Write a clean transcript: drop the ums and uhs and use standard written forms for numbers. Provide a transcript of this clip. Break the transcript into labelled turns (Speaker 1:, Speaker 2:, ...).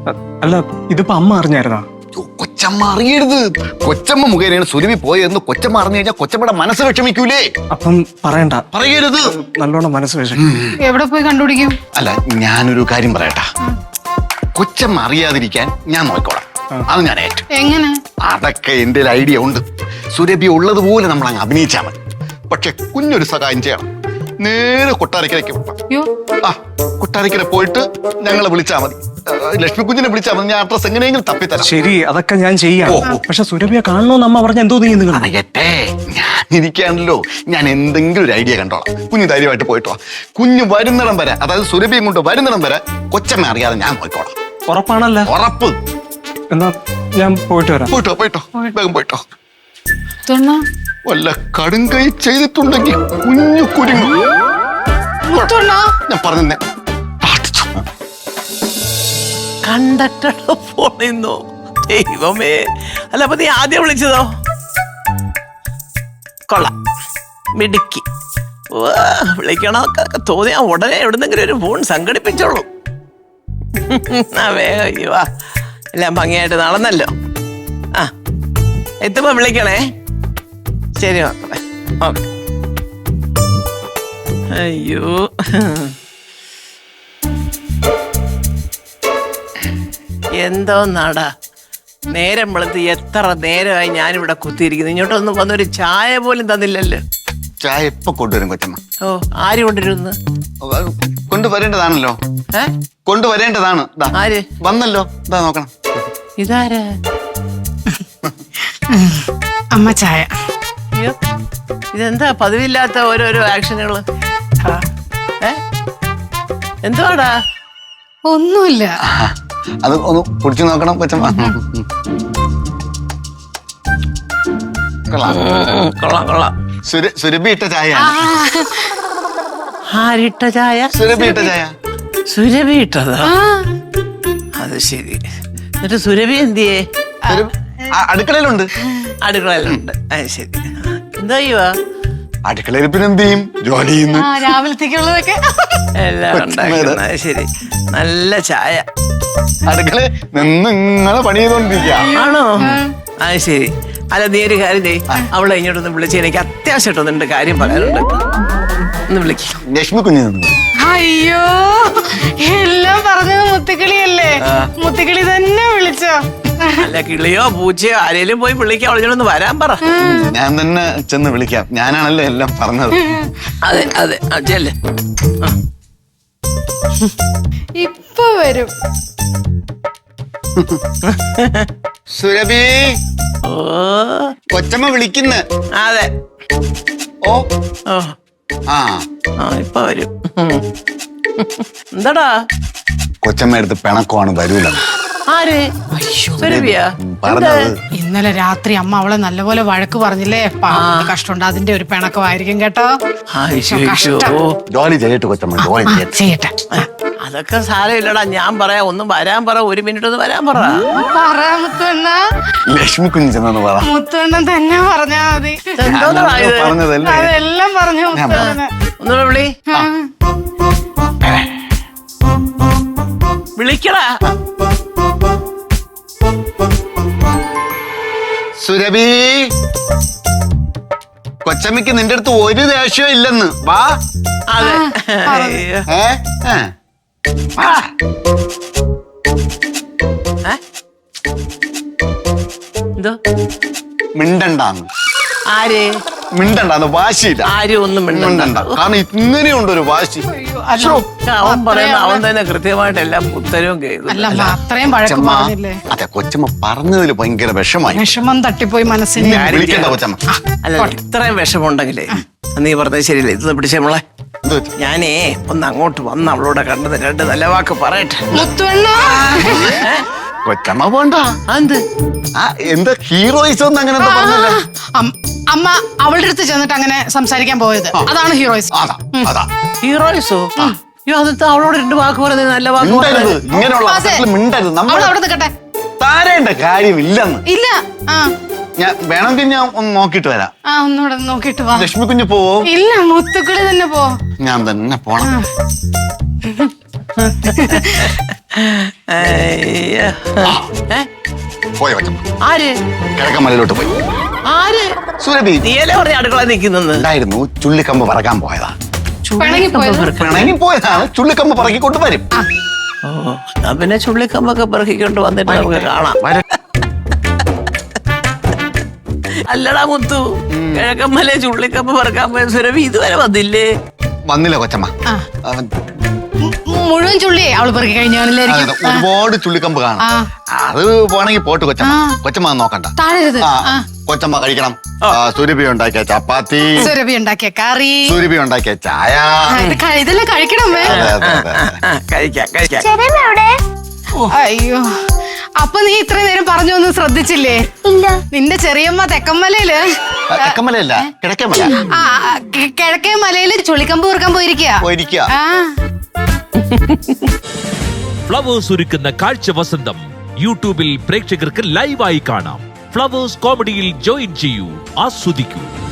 Speaker 1: അല്ല ഇതിപ്പോ അമ്മ അറിഞ്ഞായിരുന്നാ?
Speaker 2: കൊച്ചമ്മ അറിയരുത്. കൊച്ചമ്മ മുഖേനയാണ് സുരഭി പോയതെന്ന് കൊച്ചമ്മ അറിഞ്ഞു കഴിഞ്ഞാൽ കൊച്ചമ്മയുടെ മനസ്സ് വിഷമിക്കൂലേ?
Speaker 1: അപ്പം പറയണ്ട.
Speaker 2: പറയരുത്.
Speaker 1: നല്ലോണം മനസ്സ് വിഷമിക്കും.
Speaker 3: എവിടെ പോയി കണ്ടുപിടിക്കും?
Speaker 2: അല്ല ഞാനൊരു കാര്യം പറയട്ടാ. കൊച്ചമ്മ അറിയാതിരിക്കാൻ ഞാൻ നോക്കോളാം. അത് ഞാൻ ഏറ്റു.
Speaker 3: എങ്ങനെ?
Speaker 2: അതൊക്കെ എന്റെ ഐഡിയ ഉണ്ട്. സുരഭി ഉള്ളതുപോലെ നമ്മൾ അങ്ങ് അഭിനയിച്ചാൽ മതി. പക്ഷെ കുഞ്ഞൊരു സഹായം ചെയ്യണം. നേരെ കൊട്ടാരക്കരയ്ക്ക് വിട്ടാം. ആ കൊട്ടാരക്കര പോയിട്ട് ഞങ്ങളെ വിളിച്ചാൽ മതി. ലക്ഷ്മി കുഞ്ഞിനെ വിളിച്ചാൽ മതി. ഞാൻ അഡ്രസ് എങ്ങനെയെങ്കിലും തപ്പിത്തരാം.
Speaker 1: ശരി, അതൊക്കെ ഞാൻ ചെയ്യാം. പക്ഷെ സുരഭിയെ കാണണോന്ന് അമ്മ പറഞ്ഞ എന്തോ നീ
Speaker 2: അറിയട്ടെ, ഞാൻ ഇരിക്കാണല്ലോ. ഞാൻ എന്തെങ്കിലും ഒരു ഐഡിയ കണ്ടോളാം. കുഞ്ഞ് ധൈര്യമായിട്ട് പോയിട്ടോ. കുഞ്ഞ് വരുന്നിടം വരെ, അതായത് സുരഭിയും കൊണ്ട് വരുന്നിടം വരെ കൊച്ചമ്മ അറിയാതെ ഞാൻ പോയിക്കോളാം.
Speaker 1: ഉറപ്പാണല്ലോ?
Speaker 2: ഉറപ്പ്.
Speaker 1: എന്നാ ഞാൻ പോയിട്ട് വരാം.
Speaker 2: പോയിട്ടോ പോയിട്ടോ, വേഗം പോയിട്ടോ. വല്ല കടുങ്കൈ ചെയ്തിട്ടുണ്ടെങ്കിൽ കുഞ്ഞു കുരുങ്ങു. ഞാൻ പറഞ്ഞേ
Speaker 4: കണ്ടക്ടറുടെ ഫോണിന്നോ? ദൈവമേ, അല്ല അപ്പൊ നീ ആദ്യം വിളിച്ചതോ? കൊള്ളാം, മിടുക്കി. വിളിക്കണമൊക്കെ തോന്നിയാ ഉടനെ എവിടുന്നെങ്കിലും ഒരു ഫോൺ സംഘടിപ്പിച്ചോളൂ. വേഗം വാ, എല്ലാം ഭംഗിയായിട്ട് നടന്നല്ലോ. ആ എത്തുമ്പോ വിളിക്കണേ. ശരി മക്കളെ, ഓക്കെ. അയ്യോ, എന്തോ നാടാ, നേരം വെളുത്ത് എത്ര നേരമായി ഞാനിവിടെ കുത്തിയിരിക്കുന്നു. ഇങ്ങോട്ടൊന്നും വന്നൊരു ചായ പോലും തന്നില്ലല്ലോ.
Speaker 2: ചായ എപ്പോ കൊണ്ടുവരും കൊച്ചമ്മ?
Speaker 4: ഓ, ആര് കൊണ്ടുവരുന്നു?
Speaker 2: കൊണ്ടുവരേണ്ടതാണല്ലോ. കൊണ്ടുവരേണ്ടതാണ്.
Speaker 4: ആര്
Speaker 2: വന്നല്ലോ? ഇതാ നോക്കണം.
Speaker 4: ഇതാരാ?
Speaker 3: അമ്മ ചായ.
Speaker 4: അയ്യോ, ഇതെന്താ പതിവില്ലാത്ത ഓരോരോ ആക്ഷനുകള്? എന്തുവാടാ?
Speaker 3: ഒന്നുമില്ല.
Speaker 2: അത് ഒന്ന് കുടിച്ചു നോക്കണം കൊച്ചമ്മ.
Speaker 4: കൊള്ളാം കൊള്ളാം.
Speaker 2: സുരഭി ഇട്ട ചായ.
Speaker 4: ആരിട്ട ചായ?
Speaker 2: സുരഭി ഇട്ട ചായ.
Speaker 4: സുരഭി ഇട്ടതാ? അത് ശരി. എന്നിട്ട് സുരഭി എന്തിയേ?
Speaker 2: അടുക്കളയിലുണ്ട്.
Speaker 4: അടുക്കളയിലുണ്ട്. അത് ശരി. എന്താ ചെയ്യുവാ?
Speaker 2: അടുക്കളയിൽ പിന്നെ എന്ത് ചെയ്യും? ജോലി ചെയ്യുന്നു.
Speaker 3: രാവിലത്തേക്കുള്ളതൊക്കെ
Speaker 4: എല്ലാം ഉണ്ടാക്കുന്നത്. അത് ശരി. നല്ല ചായ.
Speaker 2: അടുക്കള നിന്ന് ഇങ്ങനെ പണി ചെയ്തോണ്ടിരിക്കുക.
Speaker 4: ആണോ? അത് ശരി. അല്ല നീ ഒരു കാര്യം ചെയ്യ്, അവളെ ഇങ്ങോട്ടൊന്ന് വിളിച്ച് എനിക്ക് അത്യാവശ്യമായിട്ടൊന്നുണ്ട് കാര്യം പറയാനുണ്ട്. ഒന്ന് വിളിക്കാം.
Speaker 2: ലക്ഷ്മി കുഞ്ഞ്.
Speaker 3: അയ്യോ, എല്ലാം പറഞ്ഞത് മുത്തുക്കിളിയല്ലേ? മുത്തുക്കിളി തന്നെ വിളിച്ചോ?
Speaker 4: അല്ല കിളിയോ പൂച്ചയോ ആരേലും പോയി വിളിക്കാം. അവളോടൊന്ന് വരാൻ പറ.
Speaker 2: ഞാൻ തന്നെ ചെന്ന് വിളിക്കാം. ഞാനാണല്ലോ എല്ലാം പറഞ്ഞത്.
Speaker 4: അതെ അതെ, ചെല്ലേ.
Speaker 3: ഇപ്പൊ വരും.
Speaker 2: സുരഭി,
Speaker 4: ഓ
Speaker 2: കൊച്ചമ്മ വിളിക്കുന്നു.
Speaker 4: അതെ.
Speaker 2: ഓ
Speaker 4: ഓ
Speaker 2: ആ
Speaker 4: ഇപ്പൊ വരും. എന്താടാ?
Speaker 2: കൊച്ചമ്മ എടുത്ത് പിണക്കമാണ്, വരൂല.
Speaker 4: ആര്? സുരഭിയാ
Speaker 2: പറഞ്ഞത്?
Speaker 3: ഇന്നലെ രാത്രി അമ്മ അവളെ നല്ലപോലെ വഴക്ക് പറഞ്ഞില്ലേ? കഷ്ടമുണ്ട്. അതിന്റെ ഒരു പിണക്കമായിരിക്കും കേട്ടോ.
Speaker 2: ജോലി ചെയ്യട്ടെ കൊച്ചമ്മ, ജോലി
Speaker 3: ചെയ്യട്ടെ.
Speaker 4: അതൊക്കെ സാരമില്ലടാ. ഞാൻ പറയാം, ഒന്ന് വരാൻ പറ. ഒരു മിനിറ്റ് ഒന്ന് വരാൻ പറ.
Speaker 3: മുത്തുവണ്ണ.
Speaker 2: ലക്ഷ്മി കുഞ്ഞ് ചെന്നു പറ.
Speaker 3: മുത്തുവണ്ണൻ തന്നെ പറഞ്ഞാ മതി.
Speaker 2: പറഞ്ഞതല്ലേ?
Speaker 3: അതെല്ലാം പറഞ്ഞു മുത്തുവണ്ണന്.
Speaker 4: ഒന്ന് വിളി. വിളിക്കടാ.
Speaker 2: സുരഭി, കൊച്ചമ്മയ്ക്ക് നിന്റെ അടുത്ത് ഒരു ദേഷ്യവും ഇല്ലെന്ന്. വാ.
Speaker 4: അതെ. എന്തോ
Speaker 2: മിണ്ടണ്ടാന്ന്.
Speaker 4: ആര്
Speaker 2: മിണ്ടണ്ടാന്ന്? വാശിയില്ല.
Speaker 4: ആരും ഒന്നും
Speaker 2: മിണ്ടണ്ട. കാരണം ഇങ്ങനെയുണ്ടൊരു വാശി.
Speaker 4: അവൻ പറയുന്ന അവൻ തന്നെ കൃത്യമായിട്ട് എല്ലാം ഉത്തരവും കേൾക്കും.
Speaker 3: അത്രയും വഴക്ക് പറഞ്ഞില്ലേ?
Speaker 2: അതെ, കൊച്ചമ്മ പറഞ്ഞതിൽ ഭയങ്കര വിഷമായി.
Speaker 3: വിഷമം തട്ടിപ്പോയി മനസ്സിന്.
Speaker 2: വിളിക്കണ്ട കൊച്ചമ്മ.
Speaker 4: അല്ല ഇത്രയും വിഷമമുണ്ടെങ്കിലേ നീ പറഞ്ഞത് ശരിയല്ലേ? ഇത് പിടിച്ചേ മോളെ. ഞാനേ ഒന്ന് അങ്ങോട്ട് വന്ന് അവളോട് കണ്ടത് രണ്ട് നല്ല വാക്ക് പറയട്ടെ.
Speaker 2: കൊച്ചമ്മ പോണ്ട.
Speaker 4: എന്ത്?
Speaker 2: എന്താ ഹീറോയിസം ഒന്നും അങ്ങനെ പറഞ്ഞല്ലേ?
Speaker 3: അമ്മ അവളുടെ അടുത്ത് ചെന്നിട്ട് അങ്ങനെ സംസാരിക്കാൻ പോയത്, അതാണ് ഹീറോയിസം.
Speaker 4: ഹീറോയിസോ? അയ്യോ, അത് അവളോട് രണ്ട് വാക്ക് പറയുന്നത് നല്ല വാക്ക്.
Speaker 2: ഇങ്ങനെയുള്ള അവസരത്തിൽ മിണ്ടരുത്. നമ്മൾ
Speaker 3: അവിടെ നിൽക്കട്ടെ.
Speaker 2: താരേണ്ട കാര്യമില്ലെന്ന്.
Speaker 3: ഇല്ല.
Speaker 2: ഞാൻ വേണമെങ്കിൽ ഞാൻ ഒന്ന് നോക്കിട്ട് വരാം.
Speaker 3: ഒന്നുകൂടെ നോക്കിട്ട് വാ.
Speaker 2: ലക്ഷ്മി കുഞ്ഞ് പോവോ?
Speaker 3: ഇല്ല, മുത്തുക്കളി തന്നെ പോ.
Speaker 2: ഞാൻ തന്നെ പോണം.
Speaker 4: അയ്യോ. ഏ?
Speaker 2: പോയ കൊച്ചമ്മ
Speaker 4: ആര്
Speaker 2: കിഴക്കമ്മലയിലോട്ട് പോയി.
Speaker 4: ആര്
Speaker 2: സുരഭി
Speaker 4: നീയല്ലേ പറഞ്ഞ അടുക്കള നിൽക്കുന്നെന്ന്
Speaker 2: ഉണ്ടായിരുന്നു, ചുള്ളിക്കമ്പ് പറക്കാൻ പോയതാ.
Speaker 3: പിണങ്ങി പോയത്?
Speaker 2: പിണങ്ങി പോയതാണ്, ചുള്ളിക്കമ്പ് പറക്കിക്കൊണ്ട് വരും.
Speaker 4: ഓ എന്നാ പിന്നെ ചുള്ളിക്കമ്പൊക്കെ പെറുക്കിക്കൊണ്ട് വന്നിട്ട് നമുക്ക് കാണാം. അല്ലടാ മുത്തു, കിഴക്കമ്മലെ ചുള്ളിക്കമ്പ് പറക്കാൻ പോയ സുരഭി ഇതുവരെ വന്നില്ലേ?
Speaker 2: വന്നില്ല കൊച്ചമ്മ. അവൻ
Speaker 3: മുഴുവൻ ചുള്ളിയെ അവള് പെറുക്കി കഴിഞ്ഞാണില്ലായിരിക്കും.
Speaker 2: ഒരുപാട് ചുള്ളിക്കമ്പ് കാണും. അത് പോണെങ്കിൽ പോട്ട് കൊച്ചമ്മ. കൊച്ചമ്മ അത് നോക്കണ്ട.
Speaker 3: താഴരുത്.
Speaker 2: കൊച്ചമ്മ കഴിക്കണം. സുരഭി ഉണ്ടാക്കിയ ചപ്പാത്തി,
Speaker 3: സുരഭി ഉണ്ടാക്കിയ കറി,
Speaker 2: സുരഭി ഉണ്ടാക്കിയ ചായ,
Speaker 3: ഇതെല്ലാം കഴിക്കണമേ.
Speaker 2: അതെ, അതെ, അതെ.
Speaker 4: കഴിക്കാം കഴിക്കാം.
Speaker 3: അയ്യോ, അപ്പൊ നീ ഇത്ര നേരം പറഞ്ഞൊന്നും ശ്രദ്ധിച്ചില്ലേ?
Speaker 5: ഇല്ല.
Speaker 3: നിന്റെ ചെറിയമ്മ തെക്കമ്മലയില്
Speaker 2: തെക്കമലയല്ല, കിഴക്കമല
Speaker 3: കിഴക്കേ മലയില് ചുള്ളിക്കമ്പ് പെറുക്കാൻ
Speaker 2: പോയിരിക്കുക.
Speaker 6: ഫ്ലവേഴ്സ് ഒരുക്കുന്ന കാഴ്ച വസന്തം യൂട്യൂബിൽ പ്രേക്ഷകർക്ക് ലൈവായി കാണാം. ഫ്ലവേഴ്സ് കോമഡിയിൽ ജോയിൻ ചെയ്യൂ, ആസ്വദിക്കൂ.